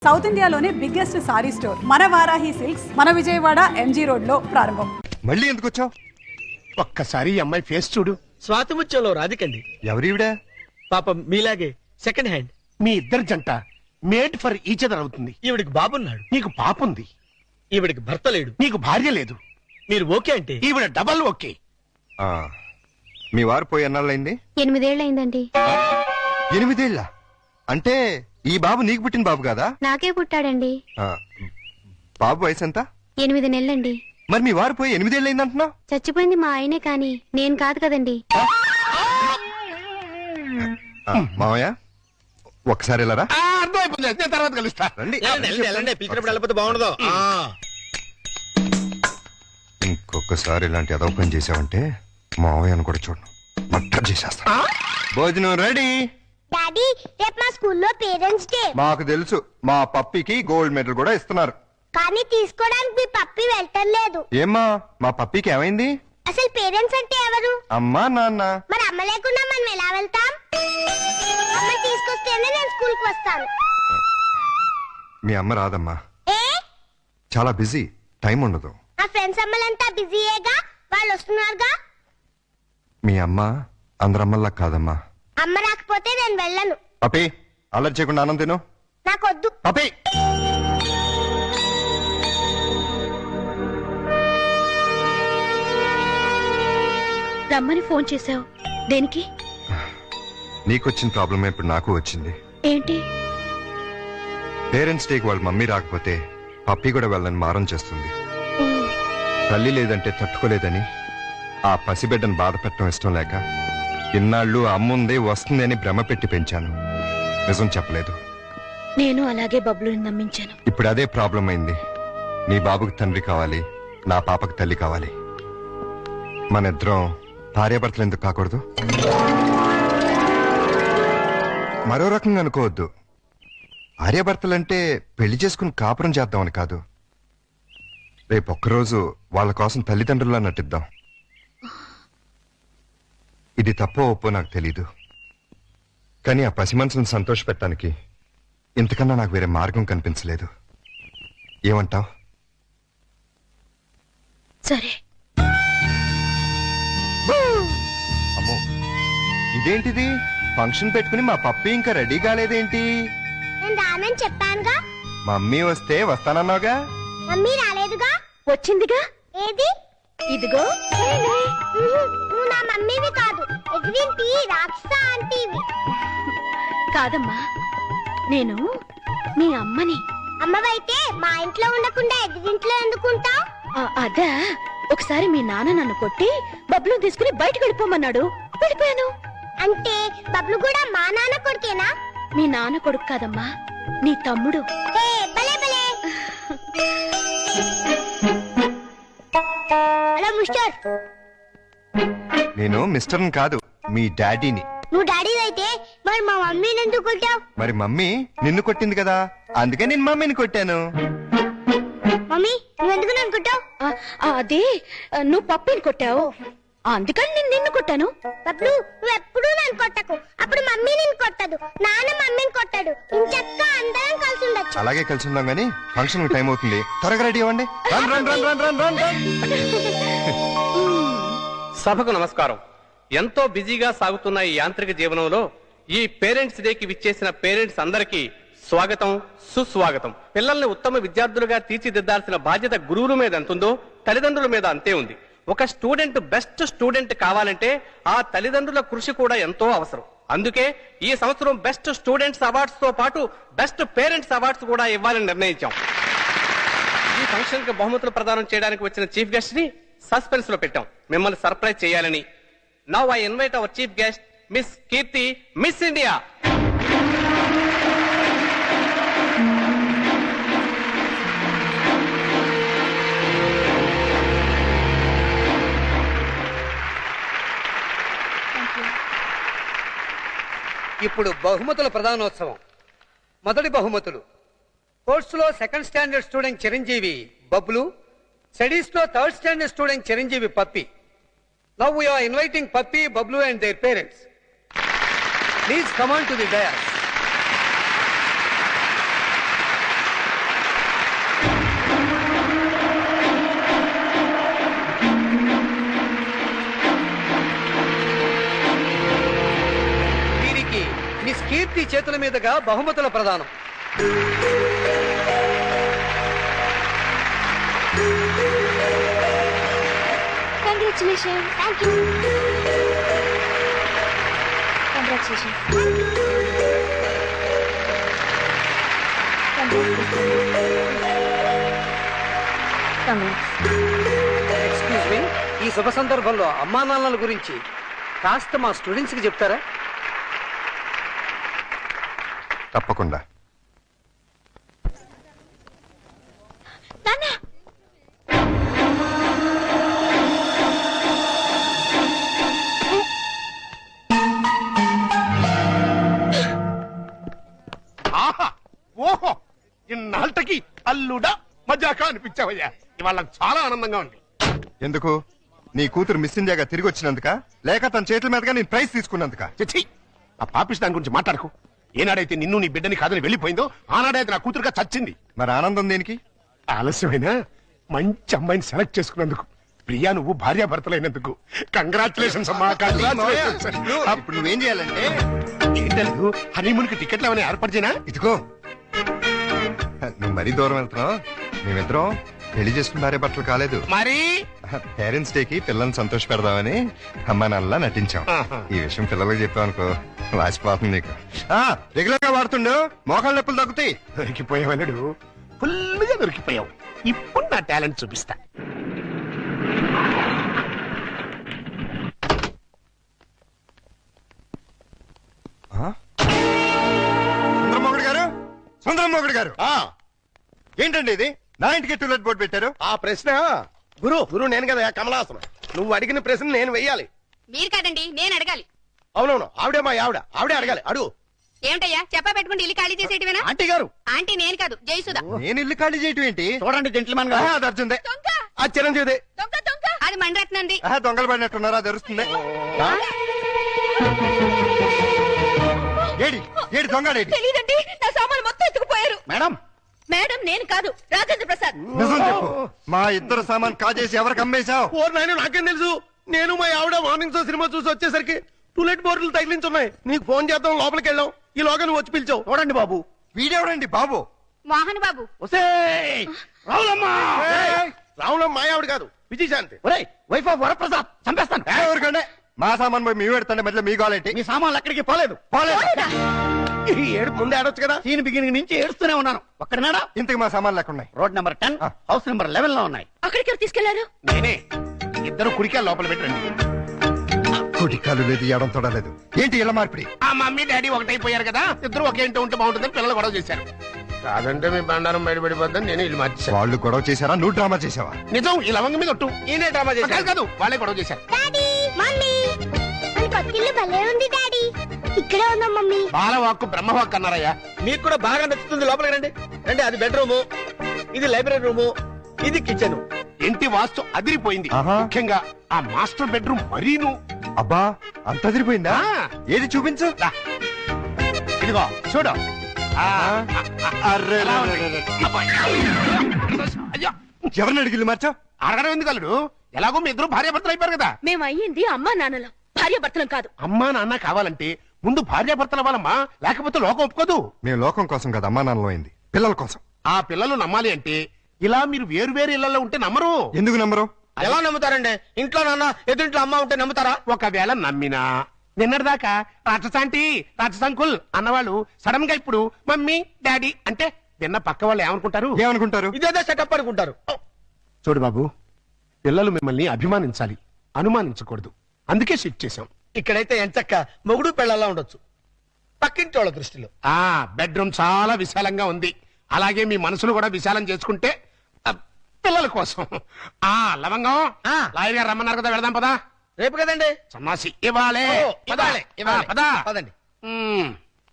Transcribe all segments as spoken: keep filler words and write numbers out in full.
South ఇండియాలోనే biggest sorry store మన Varahi silks మన విజయవాడ ఎంజీ రోడ్ లో ప్రారంభం. మళ్ళీ ఎందుకు వచ్చావు? ఒక్కసారి అమ్మాయి ఫేస్ చూడు. స్వాతిముత్యంలో రాధికండి. ఎవరివిడా? పాపం మీలాగే సెకండ్ హ్యాండ్. మీ ఇద్దరు జంట మేడ్ ఫర్ ఈచ్ అదర్ అవుతుంది. ఈవిడికి బాబున్నాడు, నీకు పాపుంది. ఈవిడికి భర్త లేడు, నీకు భార్య లేదు. మీరు ఓకే అంటే ఈవిడ డబల్ ఓకే. ఆ, మీ వారు పోయి ఎన్నాళ్ళైంది? ఎనిమిదేళ్లయిందండి. ఎనిమిదేళ్ళ అంటే ఈ బాబు నీకు పుట్టిన బాబు కాదా? నాకే పుట్టాడండి. ఆ, బాబు వయసు ఎంత? ఎనిమిది నెలలండి. మరి మీ వారు పోయి ఎనిమిదేళ్ళైంది అంటున్నావు? చచ్చిపోయింది మా ఆయనే కాని నేను కాదు కదండి. ఆ, మావయ్య ఒక్కసారి వెళ్ళరా. ఆ, అర్థమైపోయింది. నేను తర్వాత కలుస్తా. రండి. వెళ్ళండి, వెళ్ళండి, వెళ్ళండి. పిలిచినప్పుడు వెళ్ళకపోతే బాగుండదు. ఆ. ఇంకొకసారి ఇలాంటి అదవ పని చేసావంటే మావయ్యను కూడా చూడను, మట్టర్ చేసేస్తా. భోజనం రెడీ. డాడీ రేపు మా స్కూల్లో పేరెంట్స్ డే. మాకు తెలుసు, మా పప్పికి గోల్డ్ మెడల్ కూడా ఇస్తున్నారు. కానీ తీసుకోవడానికి మీ పప్పి వెళ్ళటం. ఏమ్మా మా పప్పికి ఏమైంది? అసలు పేరెంట్స్ అంటే ఎవరు? అమ్మా నాన్న. మరి అమ్మ లేకుండా మనం ఎలా వెళ్తాం? అమ్మ తీసుకొస్తేనే నేను స్కూల్ కి వస్తాను. మీ అమ్మ రాదమ్మా, ఏ చాలా బిజీ, టైం ఉండదు. నా ఫ్రెండ్స్ అమ్మలంతా బిజీయేగా, వాళ్ళు వస్తున్నారుగా. మీ అమ్మ అందరమ్మల్లా కాదమ్మా. అమ్మ రాకపోతే నేను వెళ్ళను. పప్పి అల్లరి చేయకుండా ఆనంద్ తిను. నాకొద్దు. పప్పి రమ్మని ఫోన్ చేశావు దేనికి? నీకొచ్చిన ప్రాబ్లమే ఇప్పుడు నాకు వచ్చింది. ఏంటి? పేరెంట్స్ డేకి వాళ్ళ మమ్మీ రాకపోతే పప్పి కూడా వెళ్ళని మారం చేస్తుంది. తల్లి లేదంటే తట్టుకోలేదని ఆ పసిబిడ్డను బాధ పెట్టడం ఇష్టం లేక ఇన్నాళ్ళు అమ్ముంది వస్తుంది అని భ్రమ పెట్టి పెంచాను. నిజం చెప్పలేదు. నేను అలాగే బబ్లుని నమ్మించాను. ఇప్పుడు అదే ప్రాబ్లం అయింది. నీ బాబుకి తండ్రి కావాలి, నా పాపకి తల్లి కావాలి. మన ఇద్దరం భార్యాభర్తలు ఎందుకు కాకూడదు? మరో రకంగా అనుకోవద్దు. భార్యాభర్తలంటే పెళ్లి చేసుకుని కాపురం చేద్దామని కాదు. రేపు ఒక్కరోజు వాళ్ళ కోసం తల్లిదండ్రుల్లా నటిద్దాం. ఇది తప్పో ఒప్పో నాకు తెలీదు, కానీ ఆ పసి మనసును సంతోష పెట్టడానికి ఇంతకన్నా నాకు వేరే మార్గం కనిపించలేదు. ఏమంటావ్? సరే. అమ్మో, ఇదేంటిది? ఫంక్షన్ పెట్టుకుని మా పప్పి ఇంకా రెడీ కాలేదేంటి? నేను రానని చెప్పానుగా. మమ్మీ వస్తే వస్తానన్నావుగా. మమ్మీ రాలేదుగా. వచ్చిందిగా. ఏది? ఇదిగో. నువ్వు నా మమ్మీవి కాదు, ఎగిరింటి రాక్షస ఆంటీవి. కాదమ్మా, నేను మీ అమ్మని. అమ్మవైతే మా ఇంట్లో ఉండకుండా ఎగిరింట్లో ఎందుకుంటావు? అదా, ఒకసారి మీ నాన్న నన్ను కొట్టి బబ్లు తీసుకుని బయటకు వెళ్ళిపోమన్నాడు, వెళ్ళిపోయాను. అంటే బబ్లు కూడా మా నాన్న కొడుకేనా? మీ నాన్న కొడుకు కాదమ్మా, నీ తమ్ముడు. భలే భలే. Hello mister. నేను మిస్టర్ని కాదు, మీ డాడీని. నువ్వు డాడీ అయితే మరి మా మమ్మీని ఎందుకు కొట్టావు? మరి మమ్మీ నిన్ను కొట్టింది కదా, అందుకే నేను మమ్మీని కొట్టాను. మమ్మీ నువ్వెందుకు నన్ను కొట్టావు? అదే నువ్వు పప్పిని కొట్టావు, అందుకని నేను నిన్ను కొట్టాను. బబ్లు నువ్వు ఎప్పుడూ నన్ను కొట్టకు, అప్పుడు మమ్మీ నిన్ను కొట్టదు, నాన్న మమ్మీని కొట్టాడు. ఇంచక్క అందరం కలిసి ఉండొచ్చు. అలాగే కలిసి ఉందాం గానీ ఫంక్షన్ టైం అవుతుంది, త్వరగా రెడీ అవ్వండి. Run run run run run run run. సభకు నమస్కారం. ఎంతో బిజీగా సాగుతున్న ఈ యాంత్రిక జీవనంలో ఈ పేరెంట్స్ డేకి విచ్చేసిన పేరెంట్స్ అందరికీ స్వాగతం, సుస్వాగతం. పిల్లల్ని ఉత్తమ విద్యార్థులుగా తీర్చిదిద్దాల్సిన బాధ్యత గురువుల మీద ఎంతుందో తల్లిదండ్రుల మీద అంతే ఉంది. ఒక స్టూడెంట్ బెస్ట్ స్టూడెంట్ కావాలంటే ఆ తల్లిదండ్రుల కృషి కూడా ఎంతో అవసరం. అందుకే ఈ సంవత్సరం బెస్ట్ స్టూడెంట్స్ అవార్డ్స్ తో పాటు బెస్ట్ పేరెంట్స్ అవార్డ్స్ కూడా ఇవ్వాలని నిర్ణయించాం. ఈ ఫంక్షన్ కి బహుమతులు ప్రదానం చేయడానికి వచ్చిన చీఫ్ గెస్ట్ ని సస్పెన్స్ లో పెట్టాం, మిమ్మల్ని సర్ప్రైజ్ చేయాలని. Now I invite our chief guest miss Keerthi, miss India. ఇప్పుడు బహుమతుల ప్రధానోత్సవం. మొదటి బహుమతులు: స్పోర్ట్స్ లో second standard student Chiranjeevi Bablu, studies లో third standard student Chiranjeevi Pappi. Now we are inviting Pappi, Bablu and their parents. Please come on to the dais. చేతుల మీదుగా బహుమతుల ప్రదానం. Congratulation. Thank you. Congratulation. Excuse me, ఈ శుభ సందర్భంలో అమ్మా నాన్నల గురించి కాస్త మా స్టూడెంట్స్ కి చెప్తారా? తప్పకుండా. నాన్న, ఆహా ఓహో ఇన్నాళ్ళకి అల్లుడా మజాకా అనిపించావయ్యా. ఇవాళ నాకు చాలా ఆనందంగా ఉంది. ఎందుకు? నీ కూతురు మిస్ ఇండియాగా తిరిగి వచ్చినందుక, లేక తన చేతుల మీదుగా నేను ప్రైజ్ తీసుకున్నందుక? చిచ్చి, ఆ పాపిస్ దాని గురించి మాట్లాడకు. ఏనాడైతే నిన్ను నీ బిడ్డని కాదని వెళ్ళిపోయిందో ఆనాడైతే నా కూతురుగా చచ్చింది. మరి ఆనందం దేనికి? ఆలస్యమైన మంచి అమ్మాయిని సెలెక్ట్ చేసుకున్నందుకు. ప్రియా, నువ్వు భార్యాభర్తలైనందుకు కంగ్రాచులేషన్స్ అమ్మా, కంగ్రాచులేషన్స్. ఇప్పుడు నువ్వేం చేయాలంటే, ఏంటలేదు హనీమూన్ కి టికెట్లు ఏమైనా ఏర్పాటు చేయనా? ఇదిగో నువ్వు మరీ దూరం వెళ్తున్నావు. మేమిద్దరం పెళ్లి చేసుకున్న భార్య భర్తలు కాలేదు. మరి పేరెంట్స్ డే కి పిల్లల్ని సంతోష పెడదామని అమ్మా నాన్నలా నటించాం. ఆహా. ఈ విషయం పిల్లలకు చెప్పావు అనుకో, వాసిపోతుంది నీకు. రెగ్యులర్ గా వాడుతుండు, మోకాళ్ళ నొప్పులు తగ్గుతాయి. దొరికిపోయావన్నాడు, ఫుల్గా దొరికిపోయావు. ఇప్పుడు నా టాలెంట్ చూపిస్తా. సుందరమోగుడు గారు, సుందరమోగుడు గారు, ఆ ఏంటండి ఇది? నా ఇంటికి టూలెట్ బోర్డు పెట్టారు. ఆ ప్రశ్న గురు గురు నేను కదా కమలాసనం. నువ్వు అడిగిన ప్రశ్న నేను వెయ్యాలి. మీరు కాదండి, నేను అడగాలి. అవునవును, ఆవిడే మా ఆవిడ, ఆవిడే అడగాలి. అడుగు. ఏమిటయ్యా చెప్పా పెట్టుకుంటే ఇల్లు ఖాళీ చేసేటివేనా? ఆంటీ గారు, ఆంటీ నేను కాదు, జయసుధ. నేను ఇల్లు ఖాళీ చేయటం ఏంటి? చూడండి జెంట్లమెన్ ఆహా, అది అర్జుందే. దొంగ ఆ చిరంజీవి. దొంగ దొంగ అది మండరత్నంది. ఆహా, దొంగలు పడినట్టున్నారా? అది అరుస్తుంది. ఏడి ఏడి దొంగడేడి? తెలీదండి, నా సామాన్లు మొత్తం ఎత్తుకుపోయారు. మేడం, మేడం నేను కాదు, రాజేంద్ర ప్రసాద్. నిజం చెప్పు. మా ఇద్దరు సామాన్ కాజేసి ఎవరికి అమ్మేశావు? ఓ నాయన, నాకేం తెలుసు. నేను మా ఆవిడ మార్నింగ్ షో సినిమా చూసి వచ్చేసరికి టూలెట్ బోర్డులు తగిలించున్నాయి. నీకు ఫోన్ చేద్దాం లోపలికి వెళ్ళాం. ఈ లోగా నువ్వు వచ్చి పిలిచావు. చూడండి బాబు. వీడెవడండి బాబు? మోహన్ బాబు. రావులమ్మా. రావులమ్మ మా ఆవిడ కాదు, విజయశాంతి. Wife of Varaprasad. చంపేస్తాను. ఎవరికంటే మా సామాన్ పోయి మీ పెడతాండి, మధ్యలో మీ గోలేంటి? మీ సామాన్లు ఎక్కడికి పోలేదు. పోలేదు. ఈ ఏడు ముందే ఆడొచ్చు కదా. సీన్ బిగినింగ్ నుంచి ఏడుస్తూనే ఉన్నాను. ఒక్కడనాడా? ఇంతకు మా సామాన్లు ఎక్కడున్నాయి? రోడ్ నెంబర్ టెన్, ఆ. హౌస్ నెంబర్ లెవెన్ లో ఉన్నాయి. అక్కడికి ఎవరు తీసుకెళ్లారు? నేనే. ఇద్దరు కుడికాయలు లోపల పెట్టండి. కుటికాలు లేదు, ఎడం తొడలేదు. ఏంటి ఇలా మార్పిడి? ఆ మమ్మీ డాడీ ఒకటైపోయారు కదా, ఇద్దరు ఒకే ఇంట్లో ఉంటే బాగుంటుందని పిల్లలు గొడవ చేశారు. కాదంటే మీ బండారం బయటపడిపోద్దని నేను ఇల్లు మార్చేశాను. వాళ్ళు గొడవ చేశారా? నువ్వు డ్రామా చేసావా? నిజం, ఈ లవంగ మీద ఒట్టు. ఈయనే డ్రామా చేశారు. కాదు, కాదు, వాళ్ళే గొడవ చేశారు. డాడీ, మమ్మీ, మన కొత్తిల్లు భలే ఉంది డాడీ. ఇక్కడే ఉన్నాం మమ్మీ. బాలవాక్కు బ్రహ్మవాక్కు అన్నారయ్యా. మీకు కూడా బాగా నచ్చుతుంది, లోపలికి రండి. రండి, అది బెడ్రూము, ఇది లైబ్రరీ రూము, ఇది కిచెన్. ఇంటి వాస్తు అదిరిపోయింది. ఆహా. ముఖ్యంగా ఆ మాస్టర్ బెడ్రూమ్ మరీను. అబ్బా, అంత అదిరిపోయిందా? ఆ. ఏది చూపించు. దా. ఇదిగో చూడు. ఆ, అర్రే, ఎలా ఉంది? అబ్బా. అయ్యో, ఎవరిని అడిగిల్లు మార్చా? అడగడం ఎందుకు అల్లుడు? ఎలాగో మీ ఇద్దరు భార్యాభర్తలు అయిపోయారు కదా. మేము అయ్యింది అమ్మా నాన్నలం, భార్య భర్తలం కాదు. అమ్మా నాన్న కావాలంటే ముందు భార్యాభర్తల వాళ్ళమ్మా, లేకపోతే లోకం ఒప్పుకోదు. మేము లోకం కోసం కదా అమ్మా నాన్నలో అయింది, పిల్లల కోసం. ఆ పిల్లలు నమ్మాలి అంటే ఇలా మీరు వేరు వేరు ఇళ్లలో ఉంటే నమ్మరు. ఎందుకు నమ్మరు? ఎలా నమ్ముతారండి? ఇంట్లో నాన్న ఎదురింట్లో అమ్మ ఉంటే నమ్ముతారా? ఒకవేళ నమ్మినా నిన్నటిదాకా రాక్షసాంటి రాక్షసంకుల్ అన్నవాళ్ళు సడన్ గా ఇప్పుడు మమ్మీ డాడీ అంటే విన్న పక్క వాళ్ళు ఏమనుకుంటారు? ఏమనుకుంటారు? ఇదేదో సెటప్ అనుకుంటారు. చూడు బాబు, పిల్లలు మిమ్మల్ని అభిమానించాలి, అనుమానించకూడదు. అందుకే షిఫ్ట్ చేశాం. ఇక్కడైతే ఎంచక్క మొగుడు పెళ్ళలా ఉండొచ్చు, పక్కింటి వాళ్ళ దృష్టిలో. ఆ బెడ్రూమ్ చాలా విశాలంగా ఉంది. అలాగే మీ మనసును కూడా విశాలం చేసుకుంటే ఆ, పిల్లల కోసం. ఆ లవంగం, ఆ. లాయర్ గారు రమ్మన్నారు కదా, వెళదాం పదా. రేపు కదండి. సన్నాసి ఇవ్వాలే. ఓ, ఇవ్వాలే, ఇవ్వాలే. పదా. పదండి. మ్మ్.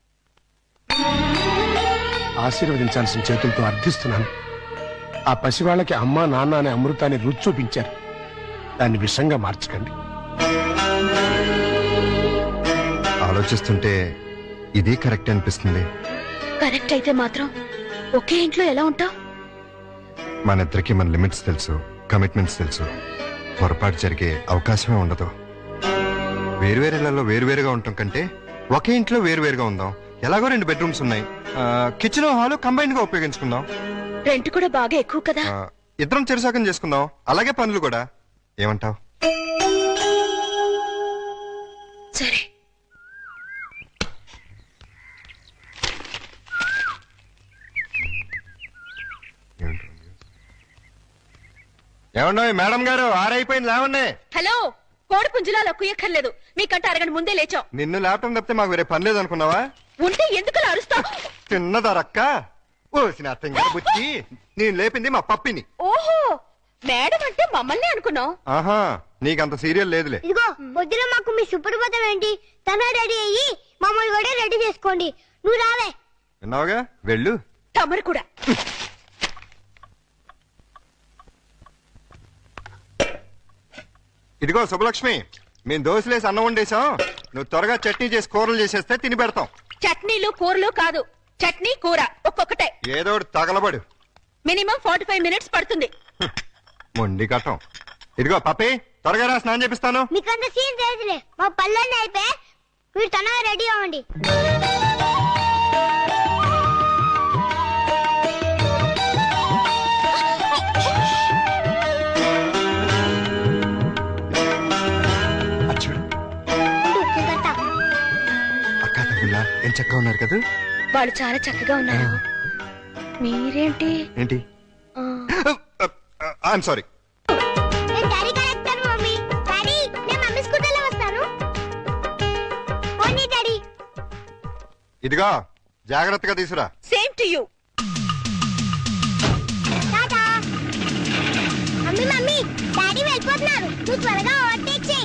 ఆశీర్వదించాల్సిన చేతులతో అర్థిస్తున్నాను. ఆ పసివాళ్ళకి అమ్మా నాన్న అనే అమృతాన్ని రుచి చూపించారు. దాన్ని విషంగా మార్చకండి. ఆలోచిస్తుంటే ఇది కరెక్ట్ అనిపిస్తుంది. కరెక్ట్ అయితే మాత్రం ఒకే ఇంట్లో ఎలా ఉంటావు? మన ఇద్దరికి మన లిమిట్స్ తెలుసు, కమిట్మెంట్స్ తెలుసు. పొరపాటు జరిగే అవకాశమే ఉండదు. వేరువేరులలో వేరువేరుగా ఉండటం కంటే ఒకే ఇంట్లో వేరువేరుగా ఉందాం. ఎలాగో రెండు బెడ్రూమ్స్ ఉన్నాయి. కిచెన్ హాల్ కంబైన్ గా ఉపయోగించుకుందాం. రెంట్ కూడా బాగా ఎక్కువ కదా. ఆ, ఇద్దరం చెరుసాకం చేసుకుందాం. అలాగే పనులు కూడా. ఏమంటావ్? సరే. ఏమన్నా మేడం గారు ఆరైపోయింది లేవన్నే. హలో, కోడి పుంజులాలో కుయ్యక్కర్లేదు. మీకంటే అరగంట ముందే లేచాం. నిన్ను లేపటం తప్పితే మాకు వేరే పని లేదు అనుకున్నావా? ఉంటే ఎందుకు అరుస్తావు? తిన్నదరక్క ఓసిన అర్థంగా బుచ్చి. నేను లేపింది మా పప్పిని. ఓహో, మేడం అంటే మమ్మల్ని అనుకున్నావు. ఆహా, నీకంత సీరియల్ లేదులే. ఇదిగో పొద్దున మాకు మీ సుప్రభాతం ఏంటి? తన రెడీ అయ్యి మమ్మల్ని కూడా రెడీ చేసుకోండి. నువ్వు రావే. విన్నావుగా, వెళ్ళు. తమరు కూడా. ఇదిగో శుభలక్ష్మి, మేము దోశలేసి అన్నం వండేసాం. నువ్వు త్వరగా చట్నీ చేసి కూరలు చేసేస్తే తిని పెడతాం. చట్నీలు కూరలు కాదు, చట్నీ కూర ఒక్కొక్కటే. ఏదో ఒకటి తగలబడు. మినిమం ఫార్టీ ఫైవ్ మినిట్స్ పడుతుంది. మొండి కట్టం. ఇదిగో పప్పి, త్వరగా రా, స్నానం చేపిస్తాను. మీకంత సీన్ తెలియదులే. మా పళ్ళన్నీ అయిపోయి మీరు తన రెడీ అవ్వండి. చూడు అక్క తమ్ముళ్ళ ఏం చక్కగా ఉన్నారు కదా. వాళ్ళు చాలా చక్కగా ఉన్నారు. మీరేంటి? ఏంటి? I'm sorry. నేను డాడీ కరెక్టర్ మమ్మీ. డాడీ, నేను మమ్మీ స్కూటర్లో వస్తాను. పోనీ డాడీ. ఇదిగో జాగ్రత్తగా తీసురా. Same to you. టాటా. మమ్మీ మమ్మీ, డాడీ వెళ్ళిపోతున్నారు. నువ్వు త్వరగా ఓవర్టేక్ చేయి.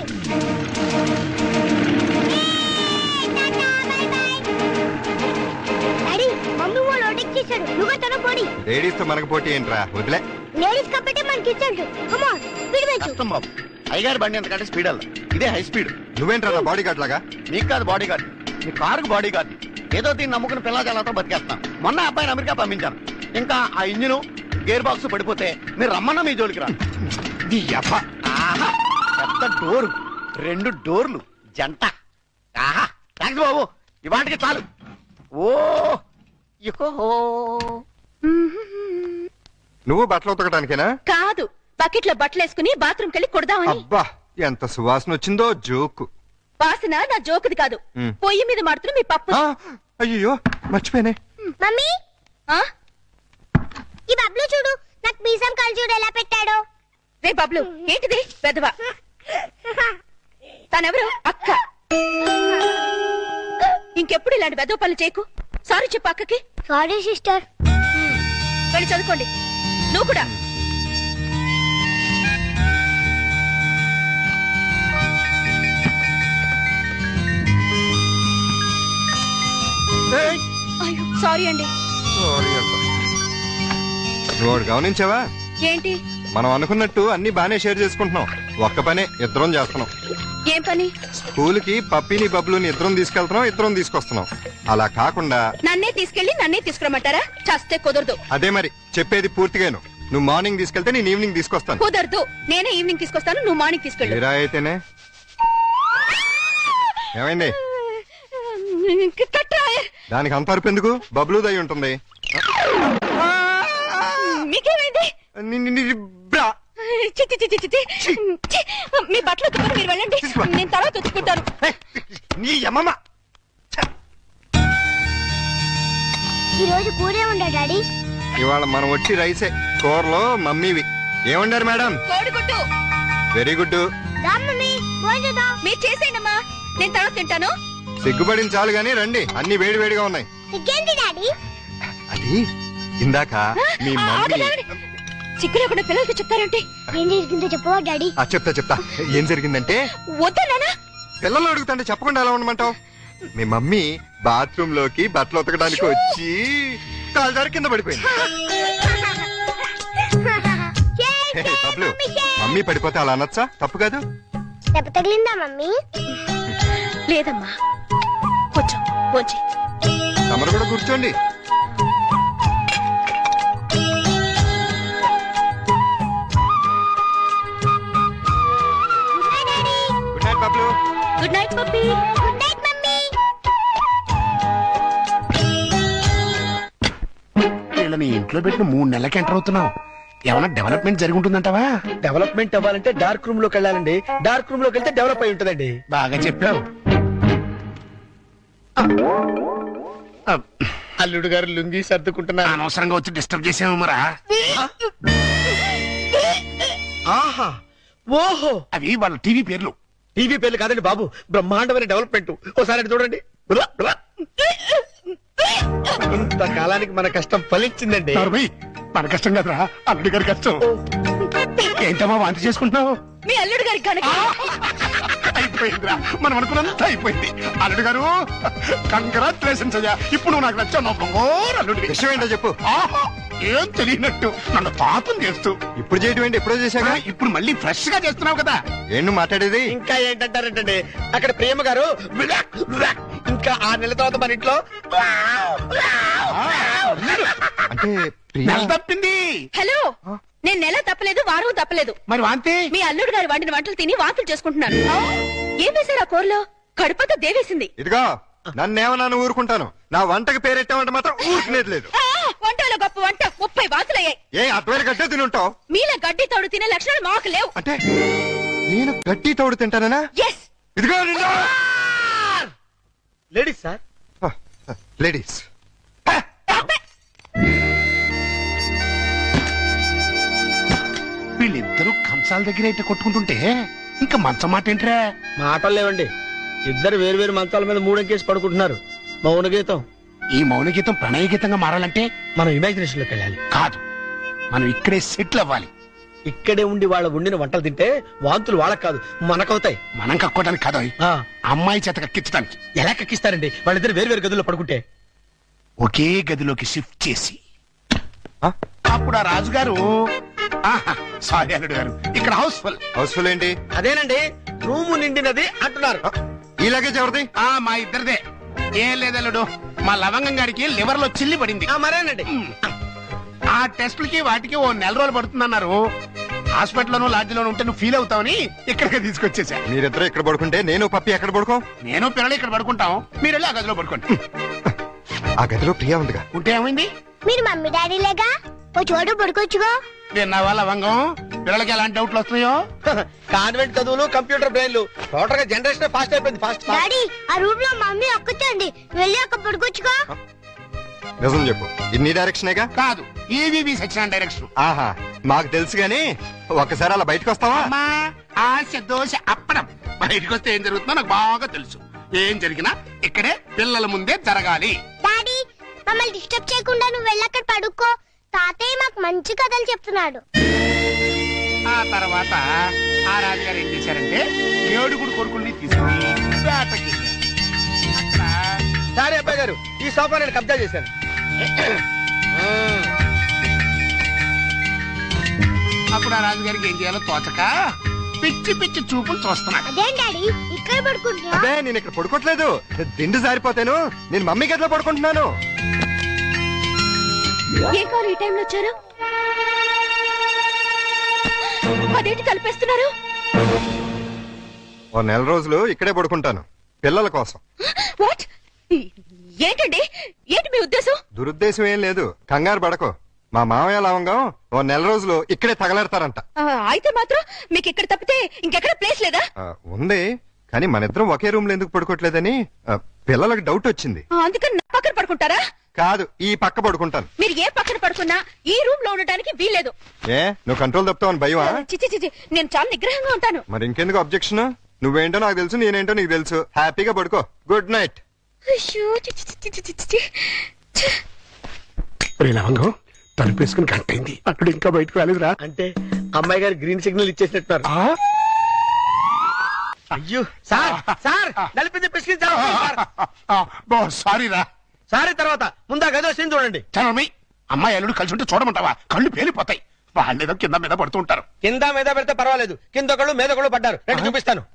టాటా, బై బై. డాడీ, మమ్మీ వాళ్ళు ఓవర్టేక్ చేశారు. నువ్వు తన పోడి. లేడీస్ తో మనకు పోటీ ఏంట్రా, వదిలే. లేడీస్ కాబట్టి మనకి ఇచ్చాడు. కమ్ ఆన్, స్పీడ్ పెంచు. కష్టం బాబు, అయ్యగారి బండి ఎంతకంటే స్పీడ్ అల్ల, ఇదే హై స్పీడ్. నువ్వేంట్రా బాడీ గార్డ్ లాగా? మీకు కాదు బాడీ గార్డ్, మీ కారుకు బాడీ గార్డ్. ఏదో దీన్ని నమ్ముకుని పిల్లజాలతో బతికేస్తాం. మొన్న అబ్బాయిని అమెరికా పంపించాను. ఇంకా ఆ ఇంజిన్ గేర్ బాక్స్ పడిపోతే మీరు రమ్మన్నా మీ జోలికి రా. నీ యబ్బ. ఆహా, పెద్ద డోరు, రెండు డోర్లు జంట. ఆహా, థ్యాంక్స్ బాబు, ఇవాటికి చాలు. ఓ ఇకో నువ్వు బట్టలు ఉతకడానికేనా? కాదు, బకెట్ లో బట్టలు వేసుకుని బాత్రూమ్ కెళ్ళి కొడదామని. అబ్బా, ఎంత సువాసన వచ్చిందో. జోకు వాసన నా జోకుది కాదు. మ్. పొయ్యి మీద మాడుతున్న మీ పప్పు. అయ్యో మర్చిపోయానే. మమ్మీ, ఆ? ఈ బబ్లు చూడు, నాకు మీసం కళ్ళు చూడు ఎలా పెట్టాడో. రే బబ్లు, ఏంటిది పెదవా? తనెవరు? అక్క. ఇంకెప్పుడు ఇలాంటి వెదవ పనులు చేయకు. సారీ చెప్పు అక్కకి. Sorry sister. వెళ్ళి చదువుకోండి. నువ్వు కూడా. ఏయ్, అయ్యో సారీ అండి. sorry అబ్బా. నువ్వు ఒకటి గమనించావా? ఏంటి? మనం అనుకున్నట్టు అన్ని బానే షేర్ చేసుకుంటున్నాం. ఒక్క పనే ఇద్దరం చేస్తున్నాం. ఏం పని? స్కూల్ కి పప్పిని బబ్లుని ఇద్దరం తీసుకెళ్తున్నాం, ఇద్దరం తీసుకొస్తున్నాం. అలా కాకుండా నన్నే తీసుకెళ్లి నన్నే తీసుకురమ్మంటారా? చస్తే కుదరదు. అదే మరి చెప్పేది పూర్తిగాను. నువ్వు మార్నింగ్ తీసుకెళ్తే నేను ఈవినింగ్ తీసుకొస్తాను. కుదరదు. నేనే ఈవినింగ్ తీసుకొస్తాను, నువ్వు మార్నింగ్ తీసుకెళ్ళు. ఇలా అయితేనే. ఏమైంది? కట్రా. దానికి అంత అరుపు ఎందుకు? బబ్లు దయ ఉంటుంది. మీకేమైంది? ని- ని- ని- బ్రా. చి, చి, చి, చి, చి, చి. చి. మీ బట్టలు ఉతుకుని మీరు వెళ్ళండి, నేను తర్వాత ఉతుక్కుంటాను. ఏయ్, నీ అమ్మమ్మ. ఈ రోజు కూరే ఉండా డాడీ. ఇవాళ మనం వచ్చి రైసే. కూరలో మమ్మీవి. ఏమండారు మేడం? కోడిగుడ్డు. Very good. రా మమ్మీ, భోజనం. మీరు చేసేయండమ్మా, నేను తర్వాత తింటాను. సిగ్గుపడిన చాలు గాని రండి, అన్ని వేడి వేడిగా ఉన్నాయి. ఇంకేంటి డాడీ? అది ఇందాక మీ మమ్మీ. సిగ్గు లేకుండా పిల్లలకి చెప్తారంటే. ఏం జరిగిందో చెప్పవా డాడీ? ఆ, చెప్తా చెప్తా. ఏం జరిగిందంటే, వద్దా నాన్న? పిల్లలు అడుగుతుంటే చెప్పకుండా ఎలా ఉండమంటావు? మీ మమ్మీ బాత్రూమ్ లోకి బట్టలు ఉతకడానికి వచ్చి కాలు జారి కింద పడిపోయింది. హే, బబ్లు, మమ్మీ పడిపోతే అలా అనొచ్చా? తప్పు కాదు. దెబ్బ తగిలిందా మమ్మీ? లేదమ్మా, కొంచెం కొంచెం. తమరు కూడా కూర్చోండి. Good night daddy. Good night Bablu. Good night Pappi. Good night mummy. వీళ్ళని ఇంట్లో పెట్టిన మూడు నెలలకి ఎంటర్ అవుతున్నావు. ఏమైనా డెవలప్మెంట్ జరిగి ఉంటుందంటావా? డెవలప్మెంట్ అవ్వాలంటే డార్క్ రూమ్ లోకి వెళ్ళాలండి. డార్క్ రూమ్ లోకి వెళ్తే డెవలప్ అయి ఉంటుందండి. బాగా చెప్పావు. అల్లుడు గారు లుంగి సర్దుకుంటున్నా. అనవసరంగా వచ్చి డిస్టర్బ్ చేసాము మరా. ఆహా ఓహో, అవి వాళ్ళ టీవీ పేర్లు. టీవీ పేర్లు కాదండి బాబు, బ్రహ్మాండమైన డెవలప్మెంట్. ఒకసారి అటు చూడండి. బ్లా, బ్లా. ఇంతకాలానికి మన కష్టం ఫలించిందండి. నార్మల్, మన కష్టం కదరా, అల్లుడి గారి కష్టం. ఏంటమ్మా వాంతి చేసుకుంటున్నావు? మీ అల్లుడు గారి కనుక అయిపోయిందిరా, మనం అనుకున్నంత అయిపోయింది. అల్లుడు గారు కంగ్రాచులేషన్స్ అయ్యా. ఇప్పుడు నువ్వు నాకు నచ్చావు. నా బంగారు అల్లుడి. విషయం ఏంటో చెప్పు. ఆహా, ఏం తెలియనట్టు నన్ను పాపం చేస్తూ ఇప్పుడు చేయటం ఏంటి? ఎప్పుడో చేశాగా. ఇప్పుడు మళ్ళీ ఫ్రెష్ గా చేస్తున్నావు కదా. ఏం నువ్వు మాట్లాడేది? ఇంకా ఏంటంటారంటండి, అక్కడ ప్రేమ గారు బ్లా, బ్లా. ఇంకా ఆరు నెలల తర్వాత మన ఇంట్లో అంటే ప్రియా- నెల తప్పింది. హలో, నేను నెల తప్పలేదు, వారం తప్పలేదు. మరి వాంతి మీ అల్లుడు గారు వండిన వంటలు తిని వాంతులు చేసుకుంటున్నాను. ఏం వేశారు ఆ కూరలో? కడుపంతా దేవేసింది. ఇదిగో నన్నేమన్నా ఊరుకుంటాను, నా వంటకి పేరెట్టామంటే మాత్రం ఊరుకునేది లేదు. ఆ, వంటలో గొప్ప వంట ముప్పై వాంతులయ్యాయి. ఏ అటువైపు గట్టే తిని ఉంటావు? మీలా గడ్డి తోడు తినే లక్షణాలు మాకు లేవు. అంటే నేను గట్టి తోడు తింటానా? ఎస్. ఇదిగో నిన్ను. Ladies sir. లేడీస్ వీళ్ళిద్దరూ కంచాల దగ్గర అయితే కొట్టుకుంటుంటే ఇంకా మంచం మాట ఏంట్రా? మాటలు లేవండి, ఇద్దరు వేరు వేరు మంచాల మీద మూడెక్కేసి పడుకుంటున్నారు. మౌన గీతం. ఈ మౌన గీతం ప్రణయ గీతంగా మారాలంటే మనం ఇమాజినేషన్ లోకి వెళ్ళాలి. కాదు, మనం ఇక్కడే సెటిల్ అవ్వాలి. ఇక్కడే ఉండి వాళ్ళ వండిన వంటలు తింటే వాంతులు వాళ్ళకి కాదు మనకవుతాయి. మనం కక్కోవడానికి కాదు, ఆ, అమ్మాయి చేత కక్కించడానికి. ఎలా కక్కిస్తారండి వాళ్ళిద్దరు వేరు వేరు గదుల్లో పడుకుంటే? ఒకే గదిలోకి షిఫ్ట్ చేసి అప్పుడు ఆ రాజుగారు, ఆహా, సారీ అల్లుడు గారు, ఇక్కడ హౌస్ఫుల్. హౌస్ఫుల్ ఏంటి? అదేనండి, రూము నిండినది అంటున్నారు. ఈ లగేజ్ ఎవరిది? ఆ మా ఇద్దరిదే. ఏం లేదల్లుడు, మా లవంగం గారికి లివర్ లో చిల్లి పడింది. ఆ, మరేనండి. ఆ టెస్టులకి వాటికి ఓ నెల రోజులు పడుతుందన్నారు. హాస్పిటల్లోనూ లాడ్జిలోనూ ఉంటే నువ్వు ఫీల్ అవుతావని ఇక్కడికి తీసుకొచ్చేసా. మీరిద్దరు ఇక్కడ పడుకుంటే నేను పప్పి ఎక్కడ పడుకో? నేను పిల్లలు ఇక్కడ పడుకుంటాం, మీరు వెళ్ళి ఆ గదిలో పడుకోండి. ఆ గదిలో ప్రియా ఉందిగా. ఉంటే ఏమైంది? మీరు మమ్మీ డాడీ లేగా ఓ చోటు పడుకోవచ్చుగా. విన్నావా లవంగం, పిల్లలకి ఎలాంటి డౌట్లు వస్తున్నాయో? కాన్వెంట్ చదువులు, కంప్యూటర్ బ్రెయిన్లు, టోటల్ గా జనరేషన్ ఫాస్ట్ అయిపోయింది. ఫాస్ట్ డాడీ, ఆ రూమ్ లో మమ్మీ ఒక్కచండి, వెళ్ళి అక్కడ పడుకోవచ్చుగా. నిజం చెప్పు, ఇన్ని డైరెక్షనేగా? కాదు, ఈవీవి సచిన డైరెక్షన్. ఆహా, మాకు తెలుసు గాని ఒక్కసారి అలా బయటకు వస్తావా? అమ్మా, ఆశ దోశ అప్పడం. బయటకు వస్తే ఏం జరుగుతుందో నాకు బాగా తెలుసు. ఏం జరిగినా ఇక్కడే పిల్లల ముందే జరగాలి. డాడీ, మమ్మల్ని డిస్టర్బ్ చేయకుండా నువ్వు వెళ్ళి అక్కడ పడుకో. తాతయ్య మాకు మంచి కథలు చెప్తున్నాడు. ఆ తర్వాత ఆ రాజుగారు ఏం చేశారంటే ఏడుగుడు కొడుకుల్ని తీసుకుని వేటకి సరే అబ్బాయి గారు, ఈ సోఫా నేను కబ్జా చేశాను. అప్పుడు ఆ రాజుగారికి ఏం చేయాలో తోచక పిచ్చి పిచ్చి చూపులు చూస్తున్నాడు. అదేం డాడీ, ఇక్కడ పడుకుంటున్నా? అదే నేను ఇక్కడ పడుకోవట్లేదు, దిండు జారిపోతాను. నేను మమ్మీ గదిలో పడుకుంటున్నాను. ఏం కావాలి ఈ టైంలో వచ్చారు? అదేంటి కలిపేస్తున్నారు? ఓ నెల రోజులు ఇక్కడే పడుకుంటాను పిల్లల కోసం. వాట్? ఏంటండి, ఏంటి మీ ఉద్దేశం? దురుద్దేశం ఏం లేదు, కంగారు పడకో. మా మామయ్య లవంగం ఓ నెల రోజులు ఇక్కడే తగలెడతారంట. ఆ, అయితే మాత్రం మీకు ఇక్కడ తప్పితే ఇంకెక్కడ ప్లేస్ లేదా? ఆ, ఉంది, కానీ మన ఇద్దరం ఒకే రూమ్ లో ఎందుకు పడుకోవట్లేదని ఆ, పిల్లలకు డౌట్ వచ్చింది. ఆ, అందుకని నా పక్కన పడుకుంటారా? కాదు, ఈ పక్క పడుకుంటాను. మీరు ఏ పక్కన పడుకున్నా ఈ రూమ్ లో ఉండటానికి వీల్లేదు. ఏ నువ్వు కంట్రోల్ తప్పుతావని భయమా? చిచి చిచి, నేను చాలా నిగ్రహంగా ఉంటాను. మరి ఇంకెందుకు అబ్జెక్షన్? నువ్వేంటో నాకు తెలుసు, నేనేంటో నీకు తెలుసు. హ్యాపీగా పడుకో. Good night. అయ్యో, చిచి చిచి చిచి చిచి. ఛ! లవంగం తలుపేసుకుని కట్టయింది, అక్కడ ఇంకా బయటకు రాలేదురా. అంటే అమ్మాయి గారు గ్రీన్ సిగ్నల్ ఇచ్చేసినట్టున్నారు. ఆ? అయ్యో సార్, సార్ నలిపింది పిసికించారు సార్. ఆ, బో సారీ రా. సారీ తర్వాత ముందా గదిలో సీన్ చూడండి. చరమి, అమ్మాయి అల్లుడు కలిసి ఉంటే చూడమంటావా? కళ్ళు పేలిపోతాయి. వాళ్ళేదో కింద మీద పడుతూ ఉంటారు. కింద మీద పెడితే పర్వాలేదు, కింద ఒకళ్ళు మీద ఒకళ్ళు పడ్డారు. రండి చూపిస్తాను.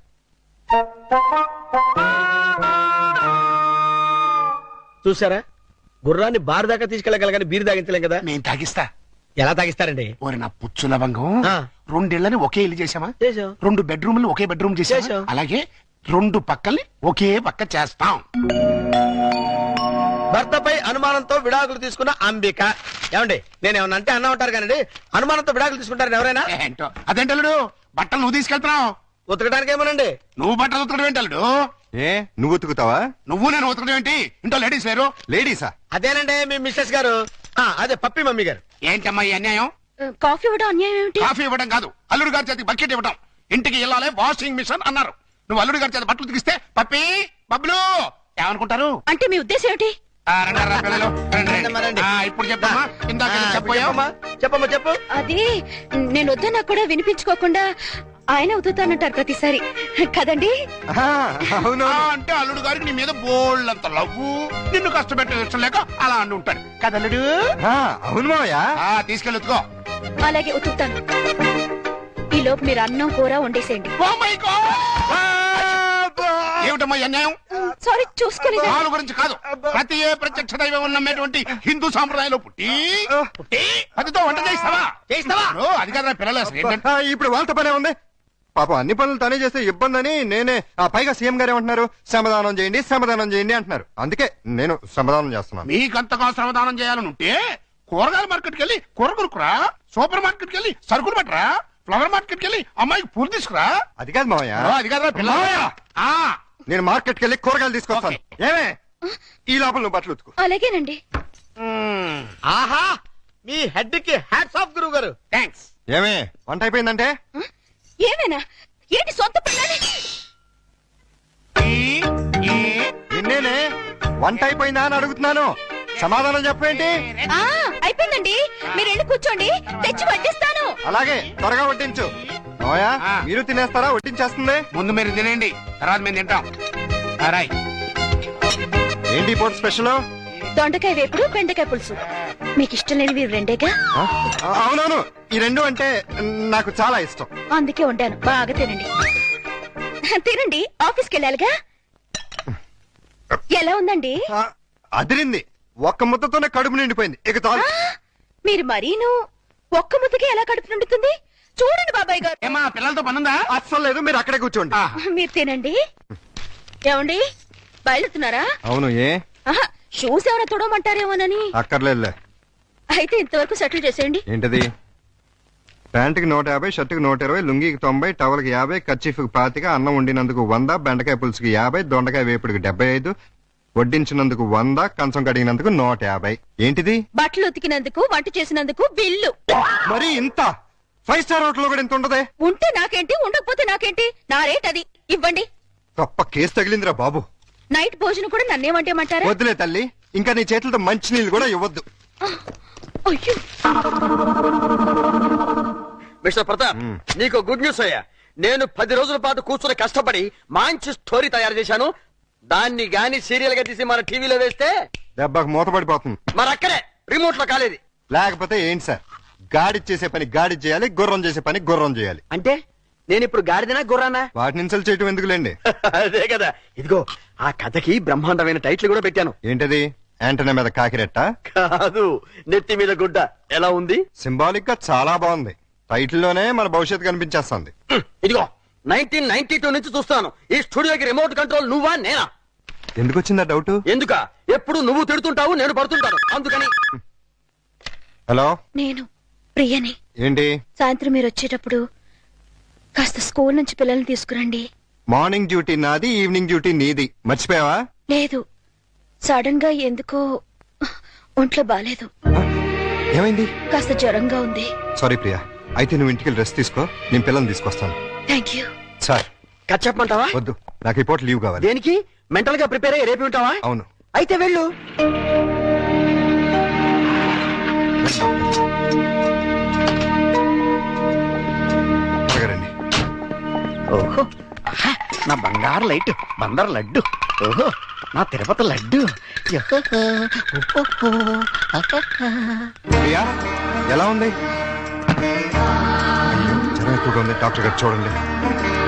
చూసారా, గుర్రాన్ని బారు దాకా తీసుకెళ్ళగలగాని బీరు తాగించలేం కదా. నేను తాగిస్తా. ఎలా తాగిస్తారండి? ఓరి నా పుచ్చు లవంగం, ఆ. రెండేళ్లని ఒకే ఇల్లు చేసామా? చేసాం. రెండు బెడ్రూమ్లు ఒకే బెడ్రూమ్ చేసాం. చేశాం. అలాగే రెండు పక్కల్ని ఒకే పక్క చేస్తాం. భర్తపై అనుమానంతో విడాకులు తీసుకున్న అంబిక ఏమండి నేను ఏమన్నా అంటే అన్నా ఉంటారు కానీ అనుమానంతో విడాకులు తీసుకుంటారు ఎవరైనా? ఏంటో అదేంటల్లుడు బట్టలు నువ్వు తీసుకెళ్తున్నావు. ఉతకడానికి ఏమోనండి. నువ్వు బట్టలు ఉతకడం ఏంటల్లుడు? ఏ నువ్వు ఉతుకుతావా? నువ్వు నేను ఉతకడం ఏంటి? ఇంట్లో లేడీస్ లేరు? లేడీసా? అదేనండి మీ మిస్సెస్ గారు. ఆ, అదే పప్పి మమ్మీ గారు. ఏంటమ్మా ఈ అన్యాయం? కాఫీ ఇవ్వడం అన్యాయం ఏమిటి? కాఫీ ఇవ్వడం కాదు, అల్లుడు గారి చేతికి బకెట్ ఇవ్వడం. ఇంటికి వెళ్ళాలి వాషింగ్ మిషన్ అన్నారు. నువ్వు అల్లుడు గారి చేతి బట్టలు ఉతికిస్తే పప్పి బబ్బులు ఏమనుకుంటారు? అంటే మీ ఉద్దేశం ఏమిటి? ఆ, రండి, రా, పిల్లలు, రండి, రండి. రండి, రండి. ఆ, ఇప్పుడు చెప్పమ్మా. ఇందాక ఆ, చెప్పావు. చెప్పమ్మా చెప్పమ్మా చెప్పు. అది నేను వద్దన్నా కూడా వినిపించుకోకుండా ఆయన ఉతుతానంటారు ప్రతిసారి కదండి. ఆహా, అవును. అంటే అల్లుడు గారికి నీ మీద బోళ్ళంత లవ్వు, నిన్ను కష్టపెట్టే ఇష్టం లేక అలా అంటూ ఉంటాడు కదల్లుడు. ఆ, అవును మావయ్య. ఆ, తీసుకెళ్ళి ఉతుకో. అలాగే ఉతుకుతాను. ఈ లోపు మీరు అన్నం కూర వండేసేయండి. Oh my God! ఏమిటమ్మా ఈ అన్యాయం? సారీ చూసుకోలేదు. వాళ్ళ గురించి కాదు, ప్రతి ఏ ప్రత్యక్ష దైవం ఉన్నటువంటి హిందూ సాంప్రదాయంలో పుట్టి పుట్టి పతితో వంట చేస్తావా చేస్తావా? ఓ, అది కదా పిల్లలు అసలు ఏంటంటే. ఆ, ఇప్పుడు వాళ్ళతో పనే ఉంది. పాపం అన్ని పనులు తనే చేస్తే ఇబ్బంది అని నేనే. ఆ పైగా సీఎం గారు ఏమంటున్నారు? శ్రమదానం చేయండి శ్రమదానం చేయండి అంటున్నారు. అందుకే నేను శ్రమదానం చేస్తున్నాను. మీకంతగా శ్రమదానం చేయాలని ఉంటే కూరగాయల మార్కెట్కి వెళ్ళి కూర కొనుక్కురా, సూపర్ మార్కెట్కి వెళ్ళి సరుకులు పట్టరా, ఫ్లవర్ మార్కెట్కి వెళ్ళి అమ్మాయికి పూలు తీసుకురా. అది కాదు మావయ్య. ఓ, అది కదా పిల్లలు. ఆ, నేను మార్కెట్కి వెళ్ళి కూరగాయలు తీసుకొస్తాను. ఏమే ఈ లోపల నువ్వు బట్టలు ఉతుకు. అలాగేనండి. మ్మ్. ఆహా మీ హెడ్ కి హ్యాట్స్ ఆఫ్ గురువు గారు. థాంక్స్. ఏమే వంట అయిపోయిందంటే? ఏమైనా ఏంటి సొంత పిల్లని? ఈ, ఈ, నిన్నేనే వంట అయిపోయిందా అని అడుగుతున్నాను. సమాధానం చెప్పేంటి? ఆ, అయిపోయిందండి. మీరు వెళ్ళి కూర్చోండి, తెచ్చి వడ్డిస్తాను. అలాగే త్వరగా వడ్డించు. మావయ్య ఆ. మీరు తినేస్తారా? వడ్డించేస్తుంది. ముందు మీరు తినండి, తర్వాత మేము తింటాం. ఆ, రాయ్. ఏంటి పూట స్పెషల్? దొండకాయ వేపుడు, బెండకాయ పులుసు. మీకు ఇష్టం లేనివి రెండేగా, ఆ? ఆ, అవునవును, ఈ రెండు అంటే నాకు చాలా ఇష్టం. అందుకే వండాను. బాగా తినండి. తినండి, ఆఫీస్కి వెళ్ళాలిగా. ఎలా ఉందండి? ఆ, అదిరింది. ఒక్క ముద్దతోనే కడుపు నిండిపోయింది. ఇక చాలు. ఆ, మీరు మరీను ఒక్క ముద్దకి ఎలా కడుపు నిండుతుంది? చూడండి బాబాయ్ గారు. ఏమా పిల్లలతో పనుందా? అస్సలు లేదు, మీరు అక్కడే కూర్చోండి. ఆ, మీరు తినండి. ఏమండి బయలుతున్నారా? అవును, ఏ ఆహా, షూస్ ఏమైనా తొడమంటారేమోనని. అక్కర్లేదులే. అయితే ఇంతవరకు సెటిల్ చేసేయండి. ఏంటది? ప్యాంటుకి నూట యాభై, షర్టుకి నూట ఇరవై, లుంగికి తొంభై, టవల్కి యాభై, కర్చీఫ్కి పాతిక, అన్నం వండినందుకు వంద, బెండకాయ పులుసుకి యాభై, దొండకాయ వేపుడికి డెబ్బై ఐదు, వడ్డించినందుకు వంద, కంచం కడిగినందుకు నూట యాభై. ఏంటిది? బట్టలు ఉతికినందుకు, వంట చేసినందుకు బిల్లు. మరి ఇంత? ఫైవ్ స్టార్ హోటల్ కూడా ఇంత ఉండదే? ఉంటే నాకేంటి, ఉండకపోతే నాకేంటి? నా రేట్ అది. ఇవ్వండి. తప్ప కేసు తగిలిందిరా బాబు. నైట్ భోజనం కూడా నన్నేమంటేమంటారా? వద్దులే తల్లి, ఇంకా నీ చేతులతో మంచి నీళ్ళు కూడా ఇవ్వద్దు. అయ్యో, మిస్టర్ ప్రతాప్, మ్మ్. నీకు గుడ్ న్యూస్ అయ్యా. నేను పది రోజుల పాటు కూర్చుని కష్టపడి మంచి స్టోరీ తయారు చేశాను. దాన్ని గాని సీరియల్ గా తీసి మన టీవీలో వేస్తే దెబ్బకు మూతపడిపోతుంది. మరి అక్కడే రిమోట్ లో కాలేదు. లేకపోతే ఏంటి సార్? గాడి చేసే పని గాడి చేయాలి, గుర్రం చేసే పని గుర్రం చేయాలి. అంటే నేను ఇప్పుడు గాడిదనా గుర్రానా? వాటిని ఇన్సల్ట్ చేయటం ఎందుకులేండి. అదే కదా. ఇదిగో ఆ కథకి బ్రహ్మాండమైన టైటిల్ కూడా పెట్టాను. ఏంటది? యాంటనా మీద కాకిరెట్ట? కాదు, నెత్తి మీద గుడ్డ. ఎలా ఉంది? సింబాలిక్ గా చాలా బాగుంది. టైటిల్ లోనే మన భవిష్యత్తు కనిపించేస్తుంది. హ్మ్, ఇదిగో నైన్టీన్ నైన్టీ టూ నుంచి చూస్తాను ఈ స్టూడియోకి రిమోట్ కంట్రోల్ నువ్వా నేనా? ఎందుకు వచ్చిందా డౌట్? ఎందుక ఎప్పుడు నువ్వు తిడుతుంటావు, నేను పడుతుంటాను, అందుకని. హలో, నేను ప్రియని. ఏంటి? సాయంత్రం మీరు వచ్చేటప్పుడు కాస్త స్కూల్ నుంచి పిల్లల్ని తీసుకురండి. మార్నింగ్ డ్యూటీ నాది, ఈవినింగ్ డ్యూటీ నీది. మర్చిపోయావా? లేదు, సడన్ గా ఎందుకో ఒంట్లో బాలేదు. ఏమైంది? కాస్త జ్వరంగా ఉంది. సారీ ప్రియా, అయితే నువ్వు ఇంటికి రెస్ట్ తీసుకో, నేను పిల్లల్ని తీసుకొస్తాను. Thank you. సార్ కథ చెప్పమంటావా? వద్దు, నాకు ఈ పూట లీవ్ కావాలి. దేనికి? మెంటల్ గా ప్రిపేర్ అయ్యి రేపు ఉంటావా? అవును. అయితే వెళ్ళు. త్వరగా రండి. ఓహో, ఆహా, నా బంగారు లైట్ బందర్ లడ్డు. ఓహో, నా తిరుపతి లడ్డు. యహహ, ఓహో, ఆహాహా. ప్రియా ఎలా ఉంది? అయ్యో, జ్వరం ఎక్కువగా ఉంది, డాక్టర్ గారు చూడండి.